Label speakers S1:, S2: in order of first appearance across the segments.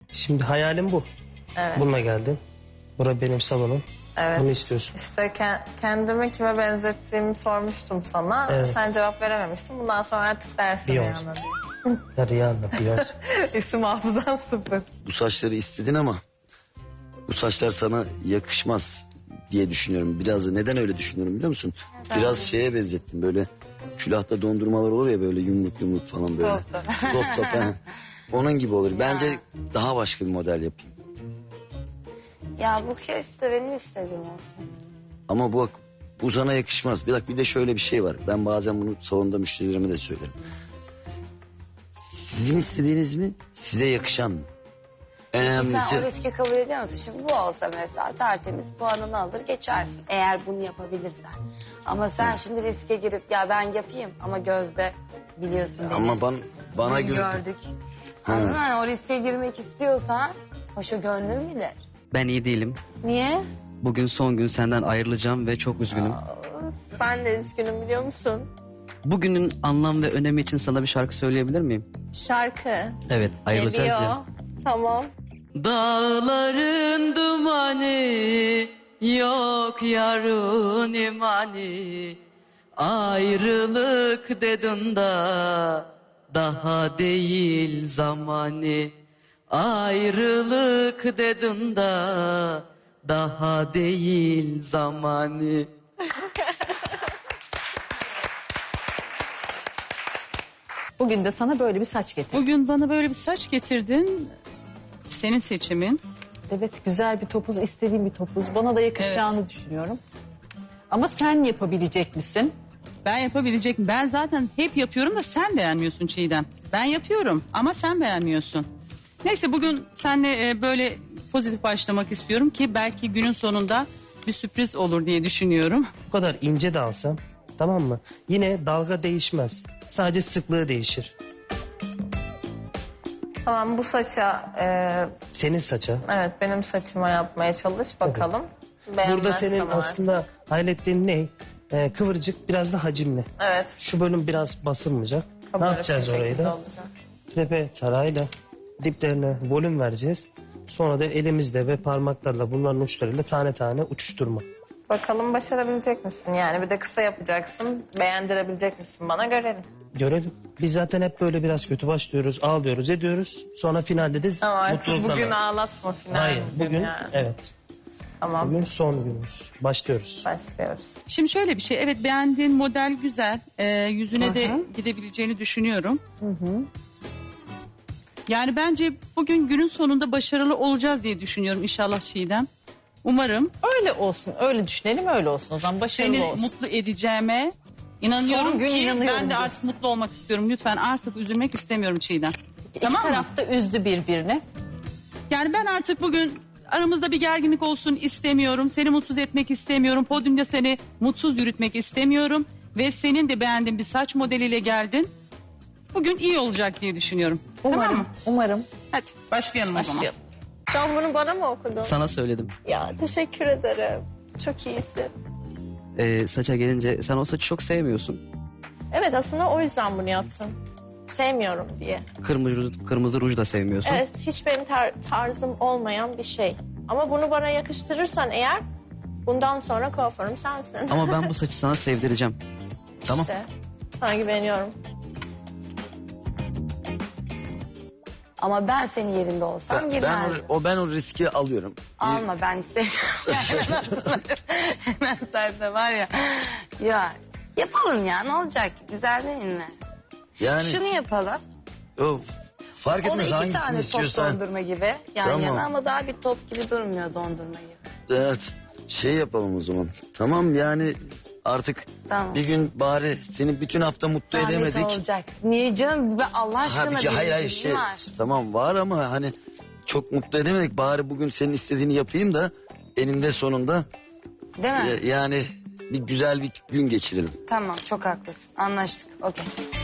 S1: Şimdi hayalim bu.
S2: Evet.
S1: Bununla geldim. Bura benim salonum.
S2: Evet.
S1: Bunu istiyorsun.
S2: İşte kendimi kime benzettiğimi sormuştum sana.
S1: Evet.
S2: Sen cevap verememiştin. Bundan sonra artık dersin
S1: Beyoncé.
S2: Rihanna diye.
S1: Ya Rihanna, Beyoncé.
S2: İsim hafızan sıfır.
S3: Bu saçları istedin ama bu saçlar sana yakışmaz diye düşünüyorum. Biraz da neden öyle düşünüyorum biliyor musun? Biraz şeye benzettim böyle külahta dondurmalar olur ya böyle yumruk yumruk falan böyle.
S4: Top top.
S3: Top top, he. Onun gibi olur. Bence daha başka bir model yapayım.
S4: Ya bu kez de benim istediğim olsun.
S3: Ama bu sana yakışmaz. Bir de şöyle bir şey var. Ben bazen bunu salonda müşterilerime de söylerim. Sizin istediğiniz mi? Size yakışan mı?
S4: Sen o
S3: Önemlisi.
S4: riski kabul ediyor musun? Şimdi bu olsa mesela tertemiz puanını alır geçersin. Eğer bunu yapabilirsen. Ama sen şimdi riske girip ya ben yapayım ama Gözde biliyorsun beni.
S3: Ama bana
S4: Bunu
S3: göre...
S4: gördük. Anladın mı? O riske girmek istiyorsan paşa gönlüm bilir.
S5: Ben iyi değilim.
S6: Niye?
S5: Bugün son gün senden ayrılacağım ve çok üzgünüm.
S6: Ben de üzgünüm biliyor musun?
S5: Bugünün anlam ve önemi için sana bir şarkı söyleyebilir miyim?
S6: Şarkı.
S5: Evet, ayrılacağız
S6: Geliyor.
S5: ya.
S6: Tamam.
S5: Dağların dumanı, yok yarın imani. Ayrılık dedin da daha değil zamanı. Ayrılık dedin da daha değil zamanı.
S7: Bugün de sana böyle bir saç getirdim.
S8: Bugün bana böyle bir saç getirdin. Senin seçimin.
S7: Evet, güzel bir topuz, istediğim bir topuz. Bana da yakışacağını düşünüyorum. Ama sen yapabilecek misin?
S8: Ben yapabilecek miyim? Ben zaten hep yapıyorum da sen beğenmiyorsun Çiğdem. Ben yapıyorum ama sen beğenmiyorsun. Neyse bugün seninle böyle pozitif başlamak istiyorum ki belki günün sonunda bir sürpriz olur diye düşünüyorum.
S1: Bu kadar ince de alsam, tamam mı? Yine dalga değişmez. Sadece sıklığı değişir.
S2: Tamam, bu saça
S1: Senin saça.
S2: evet benim saçıma yapmaya çalış bakalım.
S1: Burada
S2: Beğenmezsem
S1: senin
S2: artık.
S1: aslında hayrettiğin ne? Kıvırcık, biraz da hacimli.
S2: Evet.
S1: Şu bölüm biraz basılmayacak. Ne
S2: kabarık
S1: yapacağız
S2: bir
S1: orayı
S2: şekilde
S1: da?
S2: olacak.
S1: Krepe tarayla diplerine volüm vereceğiz. Sonra da elimizle ve parmaklarla bunların uçlarıyla tane tane uçuşturma.
S2: Bakalım başarabilecek misin? Yani bir de kısa yapacaksın. Beğendirebilecek misin? Bana görelim.
S1: Görelim. Biz zaten hep böyle biraz kötü başlıyoruz, ağlıyoruz, ediyoruz. Sonra finalde de
S2: Ama artık
S1: mutlulukla...
S2: bugün ağlatma final.
S1: Hayır, bugün
S2: yani.
S1: evet.
S2: Tamam,
S1: Bugün son günümüz. Başlıyoruz.
S2: başlıyoruz.
S8: Şimdi şöyle bir şey. Evet beğendiğin model güzel. Yüzüne de gidebileceğini düşünüyorum. Yani bence bugün günün sonunda başarılı olacağız diye düşünüyorum inşallah Çiğdem. Umarım
S7: Öyle olsun, öyle düşünelim, öyle olsun. O zaman başarılı
S8: seni
S7: olsun.
S8: mutlu edeceğime inanıyorum
S7: Son gün
S8: ki
S7: inanıyorum
S8: ben de
S7: diyor.
S8: artık mutlu olmak istiyorum. Lütfen artık üzülmek istemiyorum Çiğdem.
S7: İki
S8: Tamam mı?
S7: taraf da üzdü birbirini.
S8: Yani ben artık bugün aramızda bir gerginlik olsun istemiyorum. Seni mutsuz etmek istemiyorum. Podyumda seni mutsuz yürütmek istemiyorum. Ve senin de beğendiğin bir saç modeliyle geldin. Bugün iyi olacak diye düşünüyorum.
S7: Umarım,
S8: Tamam mı?
S7: umarım.
S8: Hadi başlayalım o zaman.
S7: Başlayalım.
S6: Şu an bunu bana mı okudun?
S5: Sana söyledim.
S6: Ya teşekkür ederim. Çok iyisin.
S5: Saça gelince sen o saçı çok sevmiyorsun.
S6: Evet aslında o yüzden bunu yaptım. Sevmiyorum diye.
S5: Kırmızı ruj da sevmiyorsun.
S6: Evet hiç benim tarzım olmayan bir şey. Ama bunu bana yakıştırırsan eğer bundan sonra kuaförüm sensin.
S5: Ama ben bu saçı sana sevdireceğim. Tamam.
S6: İşte sana güveniyorum.
S4: Ama ben senin yerinde olsam girmezdim.
S3: Ben o riski alıyorum.
S4: Alma ben istemiyorum. Hemen sen var ya. Ya yapalım ya ne olacak ki? Güzel değil mi?
S3: Yani
S4: Şunu yapalım.
S3: fark
S4: O da
S3: etmez
S4: iki
S3: hangisini
S4: tane top
S3: istiyorsan.
S4: dondurma gibi yan
S3: Tamam.
S4: yana ama daha bir top gibi durmuyor dondurma gibi.
S3: Evet, şey yapalım o zaman. Tamam yani artık
S4: Tamam.
S3: bir gün bari seni bütün hafta mutlu
S4: Zahmet
S3: edemedik.
S4: olacak. Niye canım? Allah aşkına bir
S3: hayır
S4: işim var.
S3: tamam var ama hani çok mutlu edemedik. Bari bugün senin istediğini yapayım da eninde sonunda
S4: Değil mi?
S3: yani bir güzel bir gün geçirelim.
S4: Tamam çok haklısın. Anlaştık. Okey.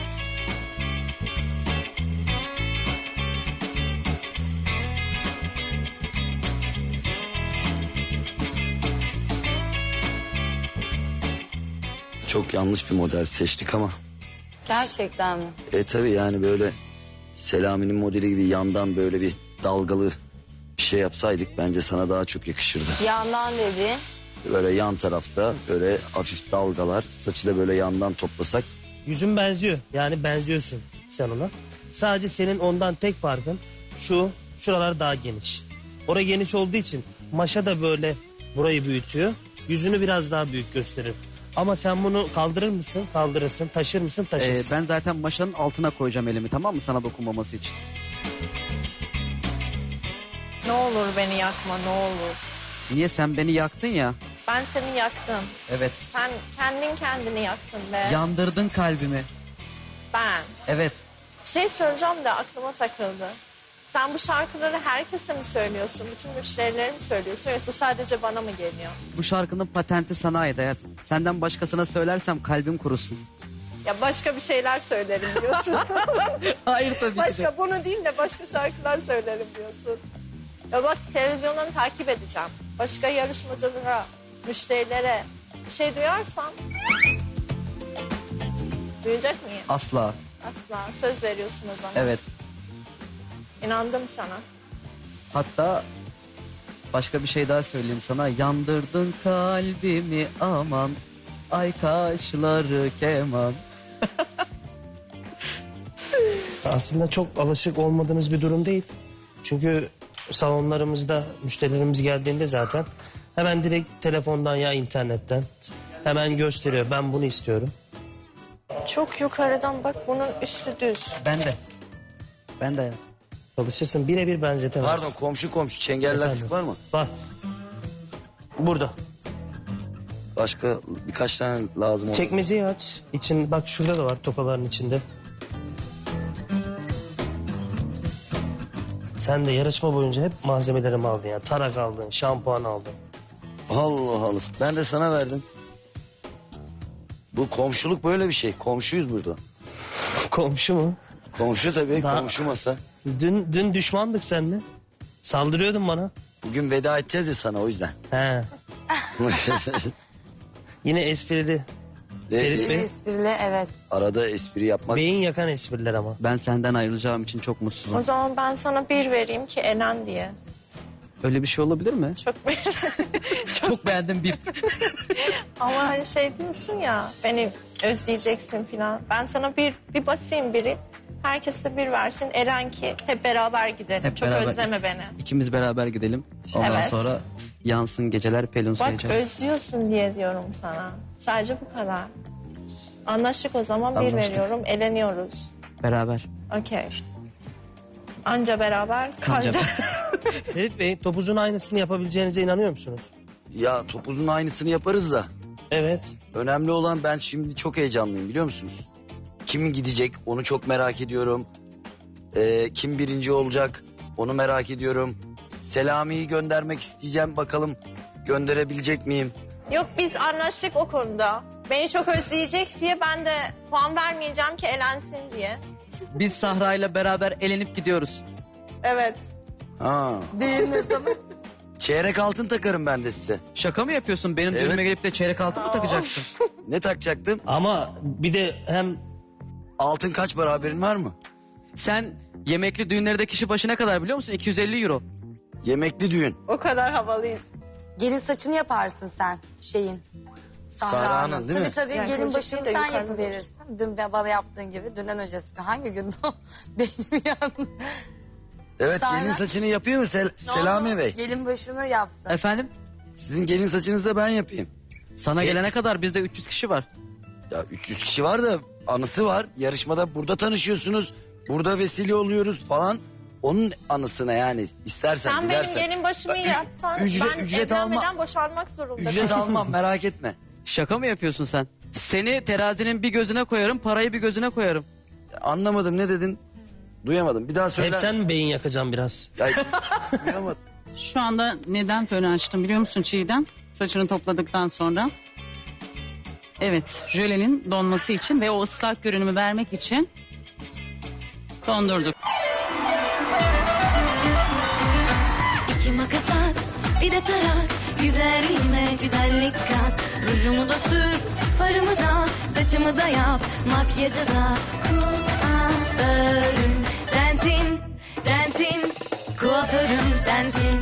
S3: Çok yanlış bir model seçtik ama.
S4: Gerçekten mi?
S3: Tabii yani böyle Selami'nin modeli gibi yandan böyle bir dalgalı bir şey yapsaydık bence sana daha çok yakışırdı.
S4: Yandan dediğin.
S3: Böyle yan tarafta böyle hafif dalgalar, saçı da böyle yandan toplasak.
S1: Yüzün benziyor. Yani benziyorsun sen ona. Sadece senin ondan tek farkın şuralar daha geniş. Orası geniş olduğu için maşa da böyle burayı büyütüyor. Yüzünü biraz daha büyük gösterir. Ama sen bunu kaldırır mısın? Kaldırırsın. Taşır mısın? Taşırsın.
S5: Ben zaten maşanın altına koyacağım elimi, tamam mı, sana dokunmaması için.
S6: Ne olur beni yakma, ne olur.
S5: Niye, sen beni yaktın ya?
S6: Ben seni yaktım.
S5: Evet.
S6: Sen kendin kendini yaktın be.
S5: Yandırdın kalbimi.
S6: Ben.
S5: Evet.
S6: Bir şey söyleyeceğim de aklıma takıldı. Sen bu şarkıları herkese mi söylüyorsun? Bütün müşterilere mi söylüyorsun? Yoksa sadece bana mı geliyor?
S5: Bu şarkının patenti sana ait hayat. Senden başkasına söylersem kalbim kurusun.
S6: Ya başka bir şeyler söylerim diyorsun.
S5: Hayır tabii ki de.
S6: Başka bunu değil de başka şarkılar söylerim diyorsun. Ya bak, televizyondan takip edeceğim. Başka yarışmacılara, müşterilere bir şey duyarsam duyacak mıyım?
S5: Asla.
S6: Asla. Söz veriyorsun o zaman.
S5: Evet.
S6: İnandım sana.
S5: Hatta başka bir şey daha söyleyeyim sana. Yandırdın kalbimi aman. Ay kaşları keman.
S1: Aslında çok alışık olmadığınız bir durum değil. Çünkü salonlarımızda müşterilerimiz geldiğinde zaten hemen direkt telefondan ya internetten hemen gösteriyor. Ben bunu istiyorum.
S6: Çok yukarıdan bak, bunun üstü düz.
S5: Ben de. Ben de hayat.
S1: Çalışırsın, birebir benzetemezsin.
S3: Pardon, komşu çengel lastik var mı?
S1: Var. Burada.
S3: Başka birkaç tane lazım olur.
S1: Çekmeceyi aç. İçin, bak şurada da var tokaların içinde. Sen de yarışma boyunca hep malzemelerimi aldın ya. Tarak aldın, şampuan aldın.
S3: Allah Allah. Ben de sana verdim. Bu komşuluk böyle bir şey. Komşuyuz burada.
S1: Komşu mu?
S3: Komşu tabii.
S1: Daha-
S3: Komşu masa.
S1: Dün düşmandık seninle. Saldırıyordun bana.
S3: Bugün veda edeceğiz ya sana, o yüzden.
S1: He. Yine esprili. Ferit Bey.
S4: Esprili, evet.
S3: Arada espri yapmak.
S1: Beyin yakan espriler ama.
S5: Ben senden ayrılacağım için çok mutsuzum.
S6: O zaman ben sana 1 vereyim ki Elen diye.
S5: Öyle bir şey olabilir mi?
S6: Çok
S5: Çok beğendim bir.
S6: Ama hani şey diyorsun ya, beni özleyeceksin falan. Ben sana bir basayım biri. Herkese 1 versin. Eren ki hep beraber gidelim.
S5: Hep
S6: Çok
S5: beraber.
S6: özleme beni.
S5: İkimiz beraber gidelim. Ondan
S6: Evet.
S5: sonra yansın geceler pelin
S6: Bak
S5: sayacağım.
S6: özlüyorsun diye diyorum sana. Sadece bu kadar. Anlaştık o zaman, 1
S5: Anlaştık.
S6: veriyorum. Eleniyoruz.
S5: Beraber.
S6: Okey. Anca beraber,
S5: Kanca.
S6: kanca.
S1: Ferit Bey, topuzun aynısını yapabileceğinize inanıyor musunuz?
S3: Ya topuzun aynısını yaparız da.
S1: Evet.
S3: Önemli olan, ben şimdi çok heyecanlıyım biliyor musunuz? Kim gidecek onu çok merak ediyorum. Kim birinci olacak onu merak ediyorum. Selami'yi göndermek isteyeceğim, bakalım gönderebilecek miyim?
S6: Yok, biz anlaştık o konuda. Beni çok özleyecek diye ben de puan vermeyeceğim ki elensin diye.
S5: Biz Sahra'yla beraber elenip gidiyoruz.
S6: Evet.
S3: Ha.
S4: Düğün ne zaman?
S3: Çeyrek altın takarım ben de size.
S5: Şaka mı yapıyorsun? Benim
S3: Evet.
S5: düğünüme gelip de çeyrek altın mı takacaksın?
S3: Ne takacaktım?
S1: Ama bir de hem
S3: Altın kaç para, haberin var mı?
S5: Sen yemekli düğünlerde kişi başı ne kadar biliyor musun? 250 euro.
S3: Yemekli düğün.
S6: O kadar havalıyız.
S4: Gelin saçını yaparsın sen şeyin.
S3: Sahra'nın,
S4: Sahra'nın.
S3: değil mi?
S4: Tabii
S6: Yani
S4: gelin
S6: kocası
S4: başını
S6: da
S4: sen
S6: yukarıda.
S4: yapıverirsin. Dün bana yaptığın gibi. Dünden öncesi gün. Hangi gün o? Benim yanım.
S3: Evet,
S4: Sahra-
S3: gelin saçını yapıyor mu Selami Bey?
S4: Gelin başını yapsın.
S5: Efendim?
S3: Sizin gelin saçınızı da ben yapayım.
S5: Sana gelene kadar bizde 300 kişi var.
S3: Ya 300 kişi var da anısı var. Yarışmada burada tanışıyorsunuz. Burada vesile oluyoruz falan. Onun anısına yani, istersen
S6: Sen benim
S3: dilersen.
S6: gelin başımı yapsan
S3: ücret-
S6: ben
S3: ücret
S6: evlenmeden boşanmak zorunda.
S3: Ücret almam, merak etme.
S5: Şaka mı yapıyorsun sen? Seni terazinin bir gözüne koyarım, parayı bir gözüne koyarım.
S3: Anlamadım, ne dedin? Duyamadım. Bir daha söyle.
S1: hep sen mi beyin yakacaksın biraz?
S3: Ya, duyamadım.
S8: Şu anda neden fönü açtım biliyor musun Çiğdem? Saçını topladıktan sonra. Evet, jölenin donması için ve o ıslak görünümü vermek için dondurduk.
S9: İki makas at, bir de tarak. Güzelliğime güzellik kat. Rujumu da sür, farımı da, saçımı da yap. Makyajı da kuaförüm sensin, sensin. kuaförüm sensin.